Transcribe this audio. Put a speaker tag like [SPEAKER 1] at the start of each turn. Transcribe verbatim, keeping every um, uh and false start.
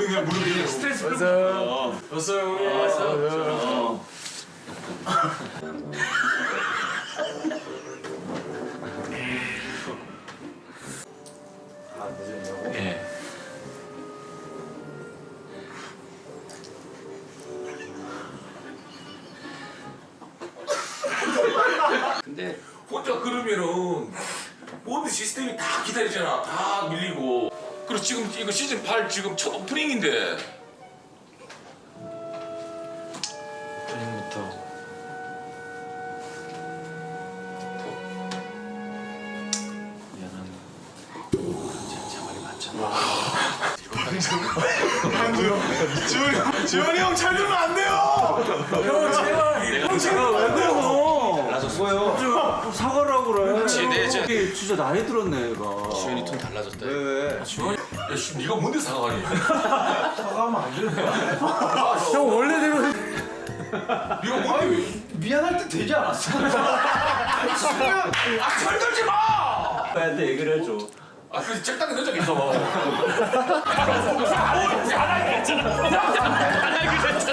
[SPEAKER 1] 그냥 무릎이 스트레스 풀고.
[SPEAKER 2] 어서 어서
[SPEAKER 1] 어서.
[SPEAKER 2] 아 늦었냐고?
[SPEAKER 1] 예. 근데 혼자 그러면은 모든 시스템이 다 기다리잖아. 다 밀리고. 그리고 지금 이거 시즌 팔 지금 첫 오프닝인데.
[SPEAKER 2] 오프닝부터 미안하네. 진짜 말이 많잖아.
[SPEAKER 3] 지훈이 지훈이 형 잘 들으면 안 돼요.
[SPEAKER 2] 형 제발. 형 제발 왜 그래요?
[SPEAKER 1] 달라졌어요.
[SPEAKER 2] 사과를 하고 그래.
[SPEAKER 1] 그렇지, 네, 저-
[SPEAKER 2] 이게 진짜 나이 들었네 얘가.
[SPEAKER 1] 지현이 톤 달라졌다.
[SPEAKER 2] 왜 왜?
[SPEAKER 1] 지현이, 야, 씨, 네가 뭔데 사과하니?
[SPEAKER 3] 사과하면 안 되는 거야.
[SPEAKER 2] 형 원래대로 해.
[SPEAKER 1] 네가 뭔데? 왜-
[SPEAKER 3] 미안할 때 되지 않았어?
[SPEAKER 1] 아, 철들지 마!
[SPEAKER 2] 나한테 얘기를 해줘.
[SPEAKER 1] 아, 그 책당에 넣은 적 있어. 안 하기로 했잖아. 안 하기로 했잖아.